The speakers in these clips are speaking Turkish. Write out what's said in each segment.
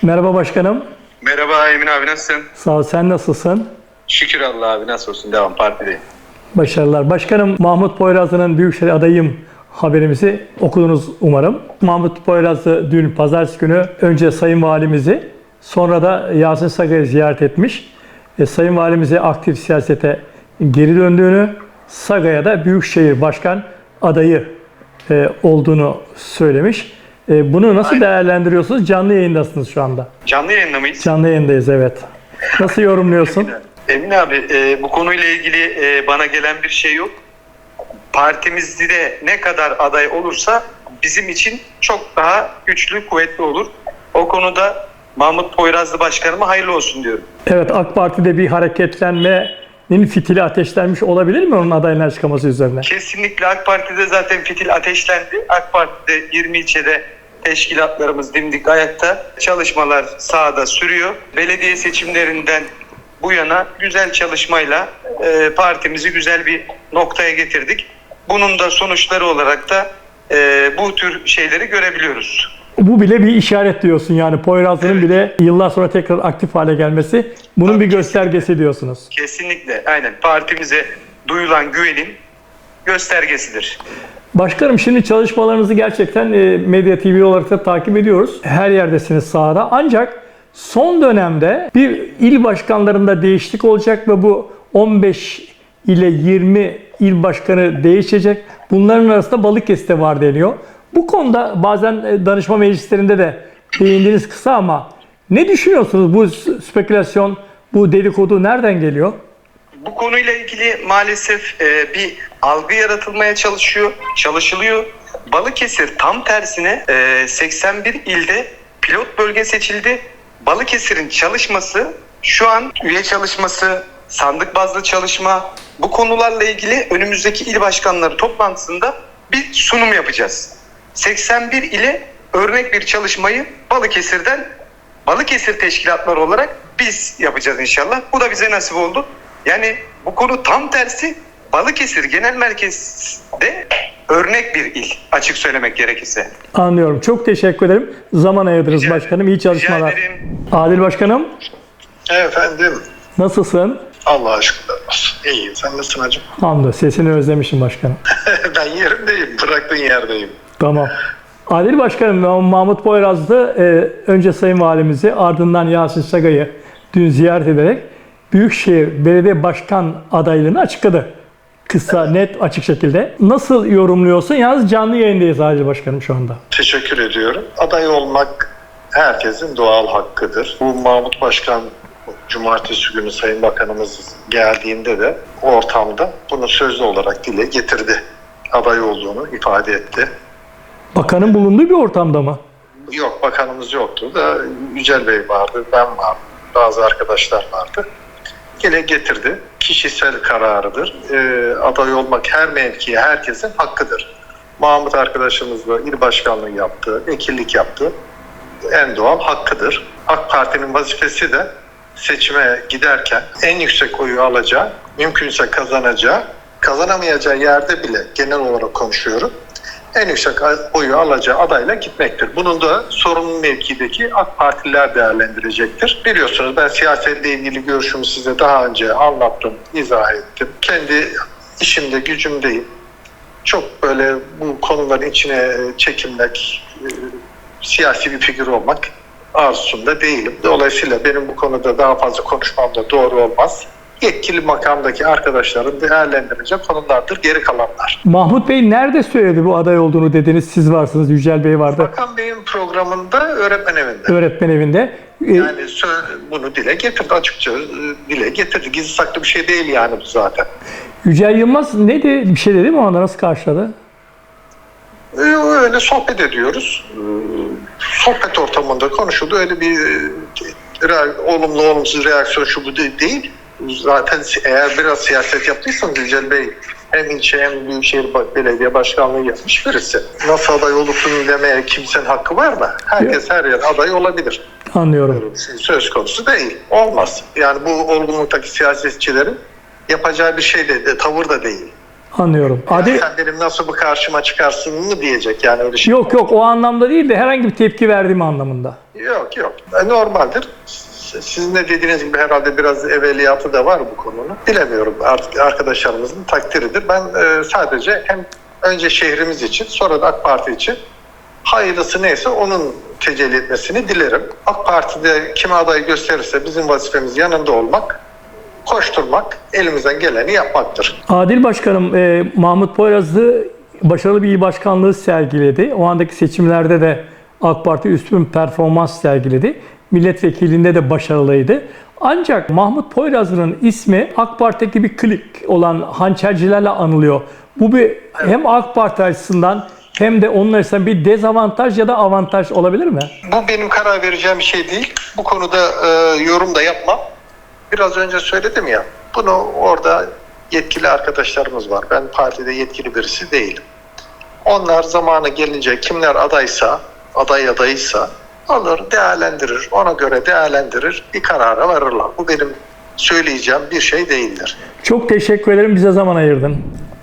Merhaba başkanım. Merhaba Emin abi, nasılsın? Sağ ol, sen nasılsın? Şükür Allah abi, nasıl olsun, devam, partideyim. Başarılar. Başkanım, Mahmut Poyrazlı'nın Büyükşehir adayım haberimizi okudunuz umarım. Mahmut Poyrazlı dün pazartesi günü önce Sayın Valimizi, sonra da Yasin Saga'yı ziyaret etmiş. Sayın Valimize aktif siyasete geri döndüğünü, Saga'ya da Büyükşehir Başkan adayı olduğunu söylemiş. Bunu nasıl değerlendiriyorsunuz? Canlı yayındasınız şu anda. Canlı yayında mıyız? Canlı yayındayız, evet. Nasıl yorumluyorsun? Emin abi, bu konuyla ilgili bana gelen bir şey yok. Partimizde ne kadar aday olursa bizim için çok daha güçlü, kuvvetli olur. O konuda Mahmut Poyrazlı Başkanıma hayırlı olsun diyorum. Evet, AK Parti'de bir hareketlenmenin fitili ateşlenmiş olabilir mi onun adayına çıkması üzerine? Kesinlikle AK Parti'de zaten fitil ateşlendi. AK Parti'de 20 ilçede teşkilatlarımız dimdik ayakta. Çalışmalar sahada sürüyor. Belediye seçimlerinden bu yana güzel çalışmayla partimizi güzel bir noktaya getirdik. Bunun da sonuçları olarak da bu tür şeyleri görebiliyoruz. Bu bile bir işaret diyorsun, yani Poyrazlı'nın Evet. bile yıllar sonra tekrar aktif hale gelmesi bunun Tabii, bir göstergesi diyorsunuz. Kesinlikle, aynen. Partimize duyulan güvenin göstergesidir. Başkanım, şimdi çalışmalarınızı gerçekten Medya TV olarak da takip ediyoruz. Her yerdesiniz, sahada. Ancak son dönemde bir il başkanlarında değişiklik olacak ve bu 15 ile 20 il başkanı değişecek. Bunların arasında Balıkesir'de var deniyor. Bu konuda bazen danışma meclislerinde de değindiniz kısa, ama ne düşünüyorsunuz? Bu spekülasyon, bu dedikodu nereden geliyor? Bu konuyla ilgili maalesef bir algı yaratılmaya çalışılıyor. Balıkesir tam tersine 81 ilde pilot bölge seçildi. Balıkesir'in çalışması, şu an üye çalışması, sandık bazlı çalışma, bu konularla ilgili önümüzdeki il başkanları toplantısında bir sunum yapacağız. 81 ile örnek bir çalışmayı Balıkesir teşkilatları olarak biz yapacağız inşallah. Bu da bize nasip oldu. Yani bu konu tam tersi, Balıkesir Genel Merkez'de örnek bir il, açık söylemek gerekirse. Anlıyorum. Çok teşekkür ederim. Zaman ayırdınız başkanım. İyi çalışmalar. Rica ederim. Adil Başkanım, Efendim, nasılsın? Allah'a şükürler olsun. İyiyim. Sen nasılsın hacım? Hamdolsun. Sesini özlemişim başkanım. Ben yerimdeyim. Bıraktığın yerdeyim. Tamam. Adil Başkanım, Mahmut Poyrazlı önce Sayın Valimizi, ardından Yasin Saga'yı dün ziyaret ederek Büyükşehir Belediye Başkan adaylığını açıkladı. Kısa, net, açık şekilde. Nasıl yorumluyorsun? Yalnız canlı yayındayız Adil Başkanım şu anda. Teşekkür ediyorum. Aday olmak herkesin doğal hakkıdır. Bu Mahmut Başkan Cumartesi günü Sayın Bakanımız geldiğinde de o ortamda bunu sözlü olarak dile getirdi. Aday olduğunu ifade etti. Bakanın bulunduğu bir ortamda mı? Yok, bakanımız yoktu da Yücel Bey vardı, ben vardım, bazı arkadaşlar vardı. Dile getirdi. Kişisel kararıdır. Aday olmak her mevkiye, herkesin hakkıdır. Mahmut arkadaşımızla il başkanlığı yaptı, vekillik yaptı. En doğal hakkıdır. AK Parti'nin vazifesi de seçime giderken en yüksek oyu alacağı, mümkünse kazanacağı, kazanamayacağı yerde bile genel olarak konuşuyorum, en yüksek oyu alacağı adayla gitmektir. Bunun da sorumlu mevkideki AK Partililer değerlendirecektir. Biliyorsunuz, ben siyasetle ilgili görüşümü size daha önce anlattım, izah ettim. Kendi işimde, gücümdeyim. Çok böyle bu konuların içine çekilmek, siyasi bir figür olmak arzusunda değilim. Dolayısıyla benim bu konuda daha fazla konuşmam da doğru olmaz. Yetkili makamdaki arkadaşların değerlendirecek konulardır geri kalanlar. Mahmut Bey nerede söyledi bu aday olduğunu dediniz? Siz varsınız, Yücel Bey vardı. Bakan Bey'in programında öğretmen evinde. Öğretmen evinde. Yani bunu dile getirdi, açıkça dile getirdi. Gizli saklı bir şey değil yani bu zaten. Yücel Yılmaz ne dedi? Bir şey dedi mi? Ona nasıl karşıladı? Öyle sohbet ediyoruz. Sohbet ortamında konuşuldu. Öyle bir olumlu olumsuz reaksiyon şu bu değil. Zaten eğer biraz siyaset yaptıysanız Yücel Bey hem ilçe hem Büyükşehir Belediye Başkanlığı yapmış birisi. Nasıl aday olursun demeye kimsenin hakkı var mı? Herkes her yer aday olabilir. Anlıyorum. Söz konusu değil. Olmaz. Yani bu olgunluktaki siyasetçilerin yapacağı bir şey de tavır da değil. Anlıyorum. Sen benim nasıl bu karşıma çıkarsın mı diyecek, yani öyle şey. Yok o anlamda değil de herhangi bir tepki verdiğim anlamında. Yok. Normaldir. Sizin de dediğiniz gibi herhalde biraz evveliyatı da var bu konunun. Bilemiyorum, artık arkadaşlarımızın takdiridir. Ben sadece hem önce şehrimiz için, sonra da AK Parti için hayırlısı neyse onun tecelli etmesini dilerim. AK Parti'de kime aday gösterirse bizim vazifemiz yanında olmak, koşturmak, elimizden geleni yapmaktır. Adil Başkanım, Mahmut Poyrazlı başarılı bir il başkanlığı sergiledi. O andaki seçimlerde de AK Parti üstün performans sergiledi. Milletvekilliğinde de başarılıydı. Ancak Mahmut Poyrazlı'nın ismi AK Parti'deki bir klik olan hançercilerle anılıyor. Bu bir hem AK Parti açısından hem de onun açısından bir dezavantaj ya da avantaj olabilir mi? Bu benim karar vereceğim bir şey değil. Bu konuda yorum da yapmam. Biraz önce söyledim ya, bunu orada yetkili arkadaşlarımız var. Ben partide yetkili birisi değilim. Onlar zamanı gelince kimler adaysa alır, değerlendirir. Ona göre değerlendirir, bir karara varırlar. Bu benim söyleyeceğim bir şey değildir. Çok teşekkür ederim. Bize zaman ayırdın.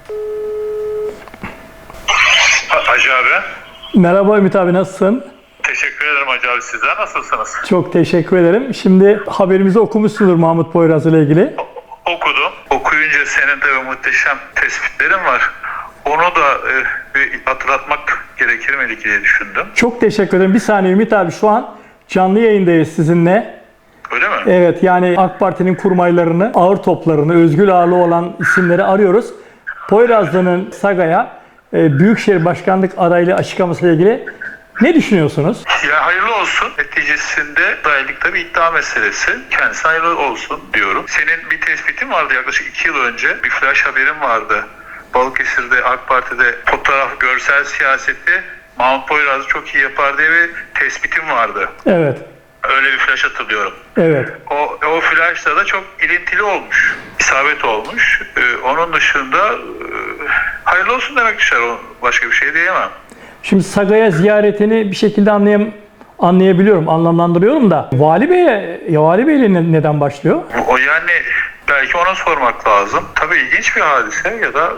Hacı abi. Merhaba Ümit abi, nasılsın? Teşekkür ederim Hacı abi. Sizler nasılsınız? Çok teşekkür ederim. Şimdi haberimizi okumuşsundur Mahmut Poyrazlı ile ilgili. Okudum. Okuyunca senin de muhteşem tespitlerin var. Onu da bir hatırlatmak gerekir mi diye düşündüm. Çok teşekkür ederim. Bir saniye Ümit abi, şu an canlı yayındayız sizinle. Öyle mi? Evet, yani AK Parti'nin kurmaylarını, ağır toplarını, özgür ağırlığı olan isimleri arıyoruz. Poyrazlı'nın Saga'ya Büyükşehir Başkanlık adaylığı açıklamasıyla ilgili ne düşünüyorsunuz? Ya hayırlı olsun. Neticesinde adaylık tabii iddia meselesi. Kendisi hayırlı olsun diyorum. Senin bir tespitin vardı yaklaşık 2 yıl önce. Bir flash haberin vardı. Balıkesir'de AK Parti'de fotoğraf, görsel siyasette Mahmut Poyrazlı çok iyi yapar diye bir tespitim vardı. Evet. Öyle bir flash hatırlıyorum. Evet. O flash'ta da çok ilintili olmuş. İsabet olmuş. Onun dışında hayırlı olsun demek düşer. Başka bir şey diyemem. Şimdi Saga'ya ziyaretini bir şekilde anlayabiliyorum, anlamlandırıyorum da Vali Bey'le neden başlıyor? O yani belki ona sormak lazım. Tabii ilginç bir hadise ya da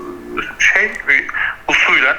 bir usulen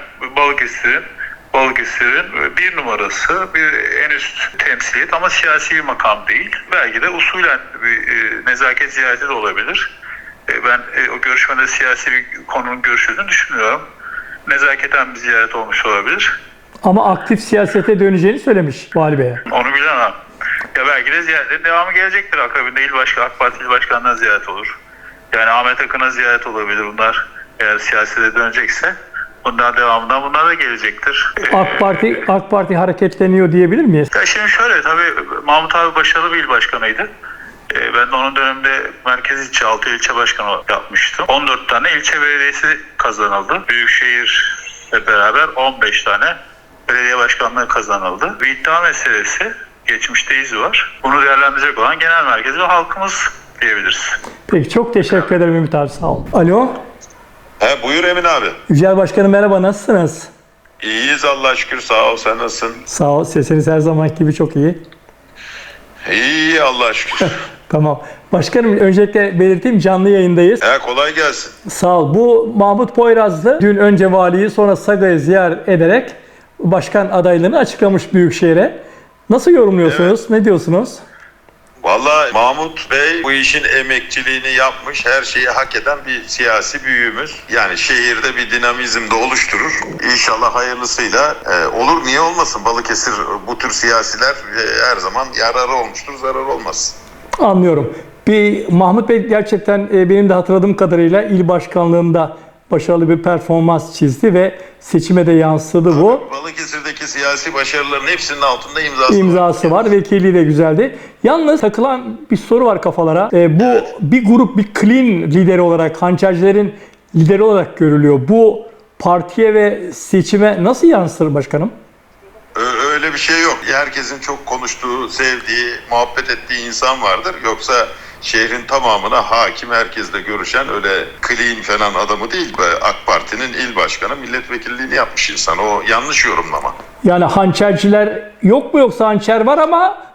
Balıkesir'in bir numarası, bir en üst temsiliyet ama siyasi bir makam değil. Belki de usulen bir nezaket ziyareti de olabilir. Ben o görüşmede siyasi bir konunun görüşüldüğünü düşünmüyorum. Nezaketen bir ziyaret olmuş olabilir. Ama aktif siyasete döneceğini söylemiş Vali Bey'e. Onu bilemem. Ya belki de ziyaretin devamı gelecektir. Akabinde AK Parti il başkanına ziyaret olur. Yani Ahmet Akın'a ziyaret olabilir bunlar. Eğer siyasete dönecekse bundan devamından bunlar da gelecektir. AK Parti hareketleniyor diyebilir miyiz? Ya şimdi şöyle, tabii Mahmut abi başarılı bir il başkanıydı. Ben de onun döneminde merkez ilçe, 6 ilçe başkanı yapmıştım. 14 tane ilçe belediyesi kazanıldı. Büyükşehir'le beraber 15 tane belediye başkanlığı kazanıldı. Bir iddia meselesi, geçmişte izi var. Bunu değerlendirecek olan genel merkez ve halkımız diyebiliriz. Peki, çok teşekkür ederim Ümit abi, sağ ol. Alo. Buyur Emin abi. Yücel Başkanım merhaba, nasılsınız? İyiyiz Allah'a şükür, sağ ol, sen nasılsın? Sağ ol, sesiniz her zamanki gibi çok iyi. İyi Allah'a şükür. Tamam. Başkanım, öncelikle belirteyim, canlı yayındayız. Kolay gelsin. Sağ ol. Bu Mahmut Poyrazlı dün önce valiyi sonra Saga'yı ziyaret ederek başkan adaylığını açıklamış Büyükşehir'e. Nasıl yorumluyorsunuz? Evet. Ne diyorsunuz? Vallahi Mahmut Bey bu işin emekçiliğini yapmış, her şeyi hak eden bir siyasi büyüğümüz. Yani şehirde bir dinamizm de oluşturur. İnşallah hayırlısıyla olur. Niye olmasın? Balıkesir bu tür siyasiler her zaman yararı olmuştur, zararı olmaz. Anlıyorum. Mahmut Bey gerçekten benim de hatırladığım kadarıyla il başkanlığında başarılı bir performans çizdi ve seçime de yansıdı bu. Balıkesir'deki siyasi başarıların hepsinin altında imzası var. Vekilliği de güzeldi. Yalnız takılan bir soru var kafalara. Bu bir grup, bir clean lideri olarak, hançercilerin lideri olarak görülüyor. Bu partiye ve seçime nasıl yansır başkanım? Öyle bir şey yok. Herkesin çok konuştuğu, sevdiği, muhabbet ettiği insan vardır. Yoksa şehrin tamamına hakim, herkesle görüşen öyle clean falan adamı değil. AK Parti'nin il başkanı, milletvekilliğini yapmış insan. O yanlış yorumlama. Yani hançerciler yok mu, yoksa hançer var ama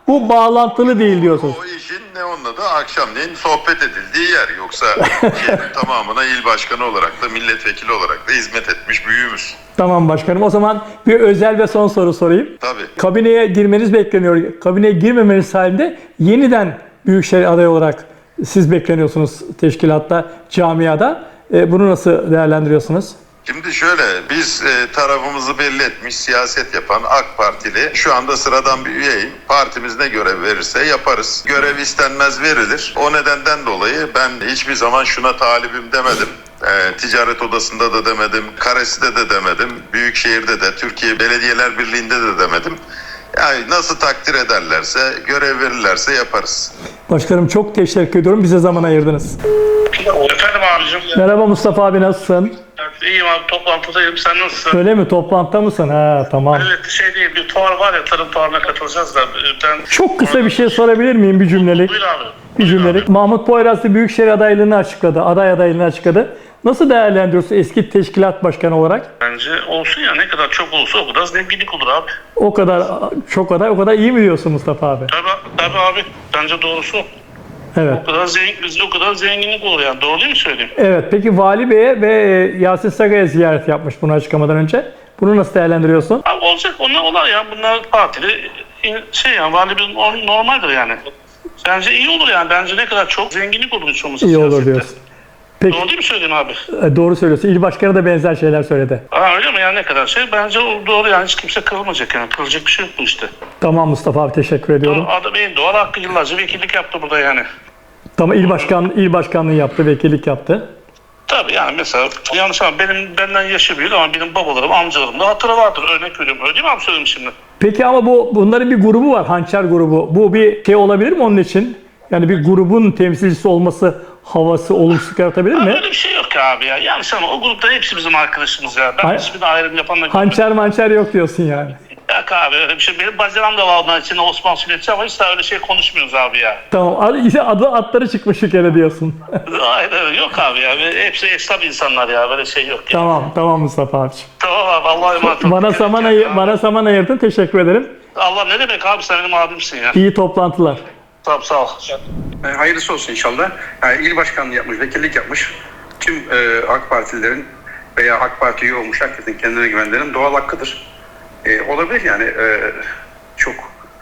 bu bağlantılı değil diyorsunuz. O işin ne onunla da akşamleyin sohbet edildiği yer. Yoksa şehrin tamamına il başkanı olarak da milletvekili olarak da hizmet etmiş büyüğümüz. Tamam başkanım. O zaman bir özel ve son soru sorayım. Tabii. Kabineye girmeniz bekleniyor. Kabineye girmemeniz halinde yeniden Büyükşehir adayı olarak siz bekleniyorsunuz teşkilatta, camiada. Bunu nasıl değerlendiriyorsunuz? Şimdi şöyle, biz tarafımızı belli etmiş, siyaset yapan AK Partili, şu anda sıradan bir üyeyim. Partimiz ne görev verirse yaparız. Görev istenmez verilir. O nedenden dolayı ben hiçbir zaman şuna talibim demedim. Ticaret Odası'nda da demedim, Karesi'de de demedim, Büyükşehir'de de, Türkiye Belediyeler Birliği'nde de demedim. Yani nasıl takdir ederlerse, görev verirlerse yaparız. Başkanım çok teşekkür ediyorum. Bize zaman ayırdınız. Efendim abicim. Merhaba Mustafa abi, nasılsın? İyiyim abi, toplantıdayım. Sen nasılsın? Öyle mi? Toplantıda mısın? Ha, tamam. Evet, şey değil, bir fuar var ya, tarım fuarına katılacağız da ben... Çok kısa bir şey sorabilir miyim? Bir cümlelik. Buyur abi. Bir cümlelik. Mahmut Poyrazlı Büyükşehir adaylığını açıkladı. Aday adaylığını açıkladı. Nasıl değerlendiriyorsun eski teşkilat başkanı olarak? Bence olsun ya, ne kadar çok olursa o kadar zenginlik olur abi. O kadar çok aday, o kadar iyi mi diyorsun Mustafa abi? Tabii abi, bence doğrusu o. Evet. O kadar zenginlik olur yani. Doğru değil mi söyleyeyim? Evet. Peki Vali Bey'e ve Yasin Saga'ya ziyaret yapmış bunu açıklamadan önce. Bunu nasıl değerlendiriyorsun? Abi olacak, onlar olar ya. Bunlar partili şey yani, valimiz normaldir yani. Bence iyi olur yani. Bence ne kadar çok zenginlik olur hiç olmazsa İyi olur siyasette. diyorsun. Peki. Doğru değil mi söyleyeyim abi? Doğru söylüyorsun. İl başkanı da benzer şeyler söyledi. Öyle mi yani, ne kadar şey? Bence o doğru yani, hiç kimse kırılmayacak yani. Kırılacak bir şey yok bu işte. Tamam Mustafa abi, teşekkür ediyorum. Adam en doğal hakkı, yıllarca vekillik yaptı burada yani. Tamam, il başkanlığı yaptı, vekillik yaptı. Tabii yani mesela yanlış ama benden yaşı büyük ama benim babalarım, amcalarım da hatırı vardır. Örnek veriyorum. Öyle değil mi abi, söyleyeyim şimdi? Peki ama bunların bir grubu var, Hançer grubu. Bu bir şey olabilir mi onun için? Yani bir grubun temsilcisi olması havası olumsuz yaratabilir mi? Öyle bir şey yok ya abi ya. Yanlış ama o grupta hepsi bizim arkadaşımız ya. Ben hiçbirine ayrım yapan da Hançer yok diyorsun yani. Yok abi, öyle bir şey. Benim bacanam da var onların içinde, Osman Sünnetçi, ama hiç daha öyle şey konuşmuyoruz abi ya. Tamam, atları çıkmış bir kere diyorsun. Hayır yok abi ya. Hepsi esnaf insanlar ya. Böyle şey yok ya. Tamam Mustafa abiciğim. Tamam abi, Allah'a emanet ol. Bana zaman ayırdın, teşekkür ederim. Allah ne demek abi, sen benim abimsin ya. İyi toplantılar. Tamam, sağ ol. Hayırlısı olsun inşallah. Yani il başkanlığı yapmış, vekillik yapmış. Tüm AK Partililerin veya AK Parti üye olmuş herkesin kendine güvenlerinin doğal hakkıdır. Olabilir yani. Çok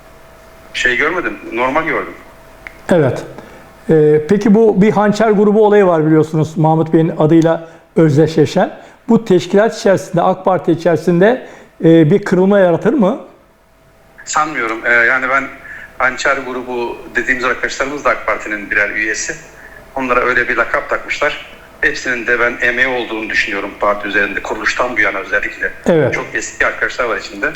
şey görmedim, normal gördüm. Evet. Peki bu bir Hançer grubu olayı var biliyorsunuz, Mahmut Bey'in adıyla özdeşleşen. Bu teşkilat içerisinde, AK Parti içerisinde bir kırılma yaratır mı? Sanmıyorum. Yani ben Hançer grubu dediğimiz arkadaşlarımız da AK Parti'nin birer üyesi. Onlara öyle bir lakap takmışlar. Hepsinin de ben emeği olduğunu düşünüyorum parti üzerinde, kuruluştan bu yana özellikle. Evet. Çok eski arkadaşlar var içinde.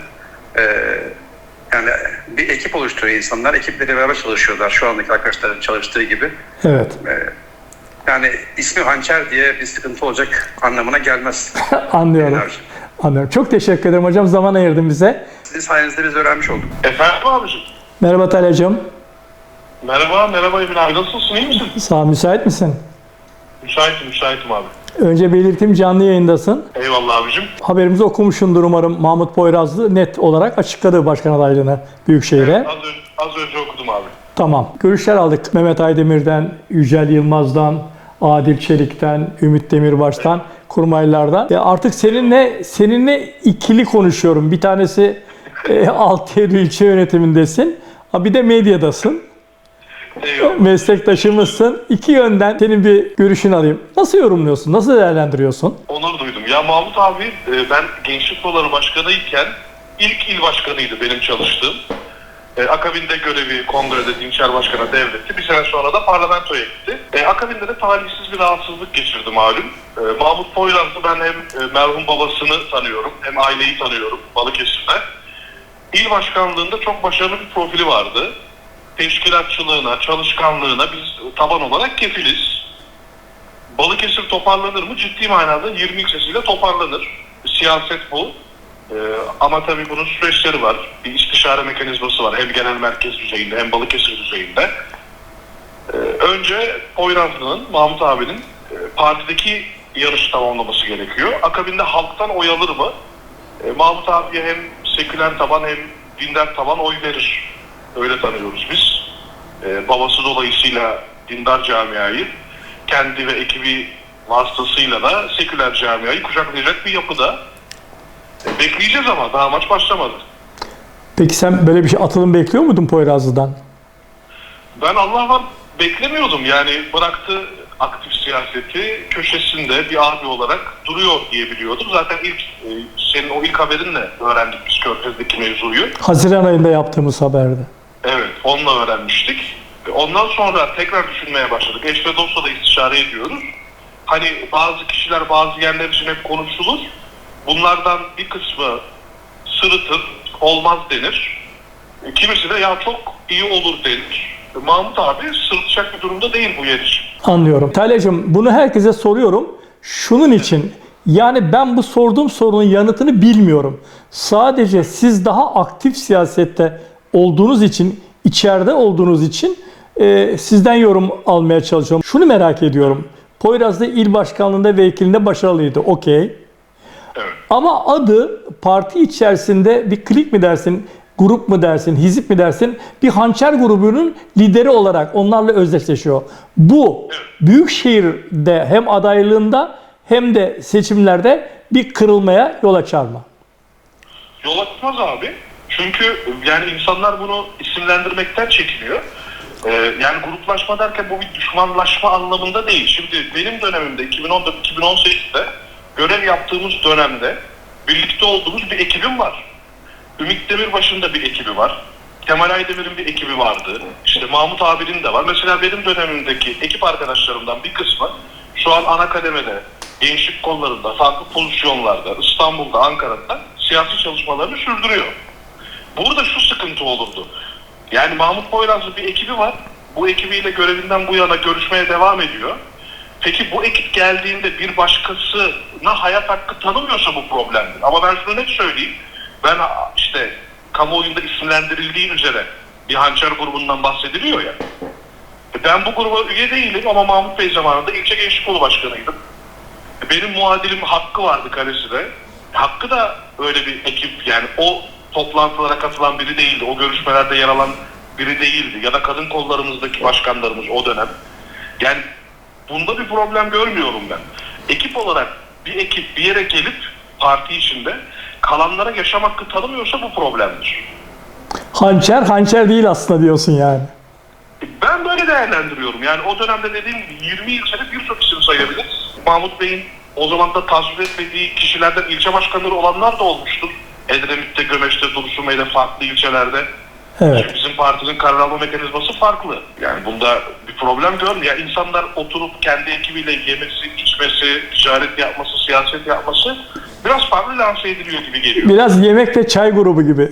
Yani bir ekip oluşturuyor insanlar. Ekiple beraber çalışıyorlar. Şu andaki arkadaşların çalıştığı gibi. Evet. Yani ismi Hançer diye bir sıkıntı olacak anlamına gelmez. Anlıyorum. Çok teşekkür ederim hocam. Zaman ayırdın bize. Sizin sayenizde biz öğrenmiş olduk. Efendim abicim. Merhaba Talya'cığım. Merhaba Emin abi, nasılsın, iyi misin? Sağ ol, müsait misin? Müsaitim abi. Önce belirteyim, canlı yayındasın. Eyvallah abicim. Haberimizi okumuşsundur umarım. Mahmut Poyrazlı net olarak açıkladı başkan adaylığını Büyükşehir'e. Evet, az önce okudum abi. Tamam. Görüşler aldık. Mehmet Aydemir'den, Yücel Yılmaz'dan, Adil Çelik'ten, Ümit Demirbaş'tan, kurmaylardan. Artık seninle ikili konuşuyorum. Bir tanesi Altıyeri ilçe yönetimindesin. Bir de medyadasın. Eyvallah. Meslektaşımızsın. İki yönden senin bir görüşünü alayım. Nasıl yorumluyorsun? Nasıl değerlendiriyorsun? Onur duydum. Ya Mahmut abi, ben Gençlik Kolları Başkanı'yken ilk il başkanıydı benim çalıştığım. Akabinde görevi kongrede dinçer başkana devretti. Bir sene sonra da parlamentoya gitti. Akabinde de talihsiz bir rahatsızlık geçirdi malum. Mahmut Poyrazlı, ben hem merhum babasını tanıyorum hem aileyi tanıyorum Balıkesir'de. İl başkanlığında çok başarılı bir profili vardı. Teşkilatçılığına, çalışkanlığına biz taban olarak kefiliz. Balıkesir toparlanır mı? Ciddi manada 20 ilçesiyle toparlanır. Siyaset bu. Ama tabii bunun süreçleri var. Bir istişare mekanizması var. Hem genel merkez düzeyinde hem Balıkesir düzeyinde. Önce Poyrazlı'nın, Mahmut abinin partideki yarışı tamamlaması gerekiyor. Akabinde halktan oy alır mı? Mahmut abiye hem seküler taban hem dindar taban oy verir. Öyle tanıyoruz biz. Babası dolayısıyla dindar camiayı, kendi ve ekibi vasıtasıyla da seküler camiayı kucaklayacak bir yapıda. Bekleyeceğiz ama daha maç başlamadı. Peki sen böyle bir şey atılım bekliyor muydun Poyrazlı'dan? Ben Allah var beklemiyordum. Yani bıraktı aktif siyaseti, köşesinde bir abi olarak duruyor diye biliyordum. Zaten senin o ilk haberinle öğrendik biz Körfez'deki mevzuyu. Haziran ayında yaptığımız haberde. Evet, onunla öğrenmiştik. Ondan sonra tekrar düşünmeye başladık. Eş ve dostla da istişare ediyoruz. Hani bazı kişiler bazı yerler için hep konuşulur. Bunlardan bir kısmı sırıtır, olmaz denir. Kimisi de ya çok iyi olur denir. Mahmut abi sırıtacak bir durumda değil bu yer için. Anlıyorum. Talya'cığım bunu herkese soruyorum. Şunun için, yani ben bu sorduğum sorunun yanıtını bilmiyorum. Sadece siz daha aktif siyasette olduğunuz için, içeride olduğunuz için sizden yorum almaya çalışıyorum. Şunu merak ediyorum. Poyrazlı il başkanlığında ve vekilinde başarılıydı. Okey. Evet. Ama adı parti içerisinde bir klik mi dersin, grup mu dersin, hizip mi dersin, bir hançer grubunun lideri olarak onlarla özdeşleşiyor. Bu Büyükşehir'de hem adaylığında hem de seçimlerde bir kırılmaya yol açar mı? Yol açmaz abi. Çünkü yani insanlar bunu isimlendirmekten çekiniyor. Yani gruplaşma derken bu bir düşmanlaşma anlamında değil. Şimdi benim dönemimde 2014-2018'de görev yaptığımız dönemde birlikte olduğumuz bir ekibim var. Ümit Demirbaş'ın da bir ekibi var. Kemal Aydemir'in bir ekibi vardı. İşte Mahmut abinin de var. Mesela benim dönemimdeki ekip arkadaşlarımdan bir kısmı şu an ana kademede, gençlik kollarında, farklı pozisyonlarda, İstanbul'da, Ankara'da siyasi çalışmalarını sürdürüyor. Burada şu sıkıntı olurdu. Yani Mahmut Poyrazlı bir ekibi var. Bu ekibiyle görevinden bu yana görüşmeye devam ediyor. Peki bu ekip geldiğinde bir başkasına hayat hakkı tanımıyorsa bu problemdir. Ama ben şunu net söyleyeyim. Ben işte kamuoyunda isimlendirildiği üzere bir hançer grubundan bahsediliyor ya. Ben bu gruba üye değilim ama Mahmut Bey zamanında ilçe gençlik kolu başkanıydım. Benim muadilim Hakkı vardı Kalesi'de. Hakkı da öyle bir ekip, yani o toplantılara katılan biri değildi. O görüşmelerde yer alan biri değildi. Ya da kadın kollarımızdaki başkanlarımız o dönem. Yani bunda bir problem görmüyorum ben. Ekip olarak bir ekip bir yere gelip parti içinde kalanlara yaşam hakkı tanımıyorsa bu problemdir. Hançer değil aslında diyorsun yani. Ben böyle değerlendiriyorum. Yani o dönemde dediğim gibi 20 ilçede birçok isim sayabiliriz. Mahmut Bey'in o zaman da tasvip etmediği kişilerden ilçe başkanları olanlar da olmuştur. Edremit'te, Gömeç'te, Dursunbey'de, farklı ilçelerde. Evet. Çünkü bizim partinin karar alma mekanizması farklı. Yani bunda bir problem görmüyor. Yani insanlar oturup kendi ekibiyle yemesi, içmesi, ticaret yapması, siyaset yapması biraz farklı lanse ediliyor gibi geliyor. Biraz yemek ve çay grubu gibi.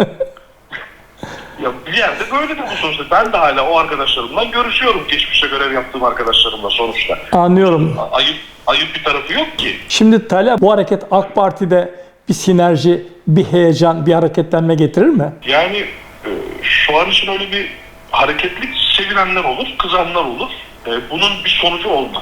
Ya bir yerde böyle de bu sonuçta. Ben de hala o arkadaşlarımla görüşüyorum. Geçmişte görev yaptığım arkadaşlarımla sonuçta. Anlıyorum. Ayıp bir tarafı yok ki. Şimdi Talha, bu hareket AK Parti'de bir sinerji, bir heyecan, bir hareketlenme getirir mi? Yani şu an için öyle bir hareketlik sevinenler olur, kızanlar olur. Bunun bir sonucu olmaz.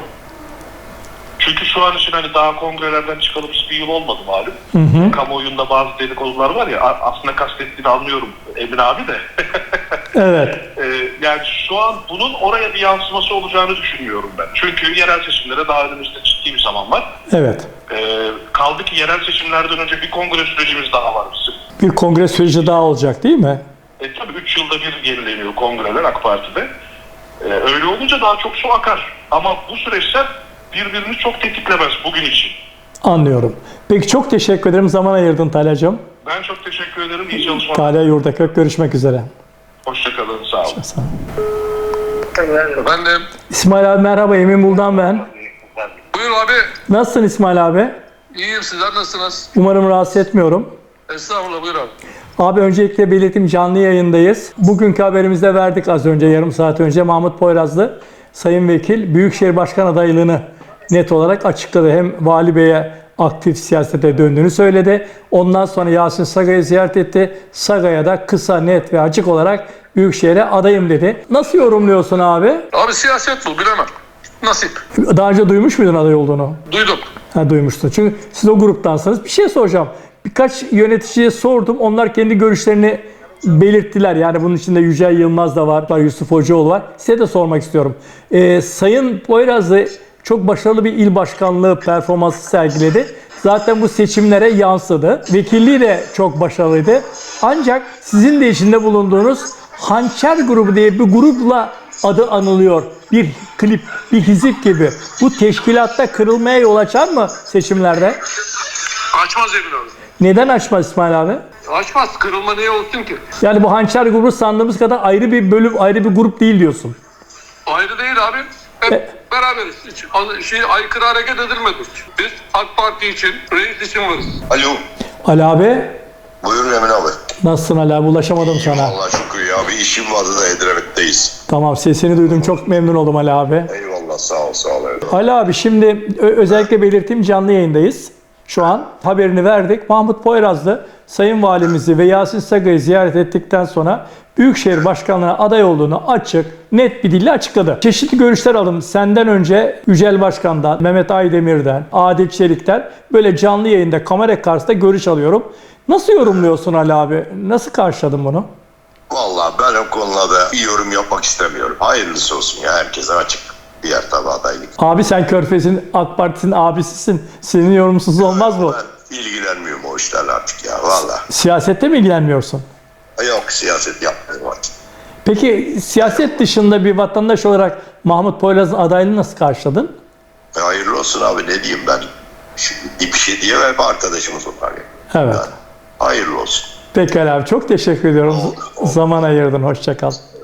Çünkü şu an için hani daha kongrelerden çıkalı bir yıl olmadı malum. Kamuoyunda bazı dedikodular var ya, aslında kastettiğini anlıyorum Emin abi de. Evet. Yani şu an bunun oraya bir yansıması olacağını düşünmüyorum ben. Çünkü yerel seçimlere daha önümüzde ciddi bir zaman var. Evet. Kaldı ki yerel seçimlerden önce bir kongre sürecimiz daha var bizim. Bir kongre süreci daha olacak değil mi? Tabii 3 yılda bir yenileniyor kongreler AK Parti'de. Öyle olunca daha çok su akar. Ama bu süreçler birbirini çok tetiklemez bugün için. Anlıyorum. Peki çok teşekkür ederim. Zaman ayırdın Talha'cığım. Ben çok teşekkür ederim. İyi çalışmalar. Talha Yurdakök, görüşmek üzere. Hoşçakalın. Sağ olun. Sağ ol. Efendim, İsmail abi merhaba, Emin Buldan ben. buyur abi. Nasılsın İsmail abi? İyiyim, sizler nasılsınız? Umarım rahatsız etmiyorum. Estağfurullah, buyur abi. Abi öncelikle belirteyim, canlı yayındayız. Bugünkü haberimizde verdik az önce, yarım saat önce. Mahmut Poyrazlı, Sayın Vekil, Büyükşehir Başkan adaylığını net olarak açıkladı. Hem Vali Bey'e aktif siyasete döndüğünü söyledi. Ondan sonra Yasin Saga'yı ziyaret etti. Saga'ya da kısa, net ve açık olarak Büyükşehir'e adayım dedi. Nasıl yorumluyorsun abi? Abi siyaset bu, bilemem. Nasip. Daha önce duymuş muydun aday olduğunu? Duydum. Ha, duymuştun. Çünkü siz o gruptansınız. Bir şey soracağım. Birkaç yöneticiye sordum. Onlar kendi görüşlerini belirttiler. Yani bunun içinde Yücel Yılmaz da var, Yusuf Hocaoğlu var. Size de sormak istiyorum. Sayın Poyrazlı çok başarılı bir il başkanlığı performansı sergiledi. Zaten bu seçimlere yansıdı. Vekilliği de çok başarılıydı. Ancak sizin de içinde bulunduğunuz Hançer grubu diye bir grupla adı anılıyor. Bir klip, bir hizip gibi. Bu teşkilatta kırılmaya yol açar mı seçimlerde? Açmaz Emin abi. Neden açmaz İsmail abi? Açmaz. Kırılma niye olsun ki? Yani bu Hançer grubu sandığımız kadar ayrı bir bölüm, ayrı bir grup değil diyorsun. Ayrı değil abi. Hep beraberiz. Hiç aykırı hareket edilmedik. Biz AK Parti için, reis için varız. Alo. Ali abi, Buyurun Emin abi. nasılsın Ali abi? Ulaşamadım sana. Allah şükür ya. Bir işim vardı da Edremit'teyiz. Tamam, sesini duydum. Çok memnun oldum Ali abi. Eyvallah sağ ol sağ ol. Ali abi, şimdi özellikle belirteyim, canlı yayındayız. Şu an haberini verdik. Mahmut Poyrazlı Sayın Valimizi ve Yasin Saga'yı ziyaret ettikten sonra Büyükşehir Başkanlığı'na aday olduğunu açık, net bir dille açıkladı. Çeşitli görüşler aldım. Senden önce Yücel Başkan'dan, Mehmet Aydemir'den, Adil Çelik'ten böyle canlı yayında kamera karşısında görüş alıyorum. Nasıl yorumluyorsun Ali abi? Nasıl karşıladın bunu? Vallahi ben o konularda bir yorum yapmak istemiyorum. Hayırlısı olsun ya, herkese açık. Diğer tabi adaylık. Abi sen Körfez'in AK Partisi'nin abisisin. Senin yorumsuz olmaz mı? Ben ilgilenmiyorum o işlerle artık ya valla. Siyasette mi ilgilenmiyorsun? Yok siyaset yapmıyorum artık. Peki siyaset dışında bir vatandaş olarak Mahmut Poyraz'ın adaylığını nasıl karşıladın? Hayırlı olsun abi, ne diyeyim ben. Şimdi bir şey diyemem, hep arkadaşımız onlar ya. Evet. Yani, hayırlı olsun. Pekala abi, çok teşekkür ediyorum. Zaman ayırdın. Hoşça kal.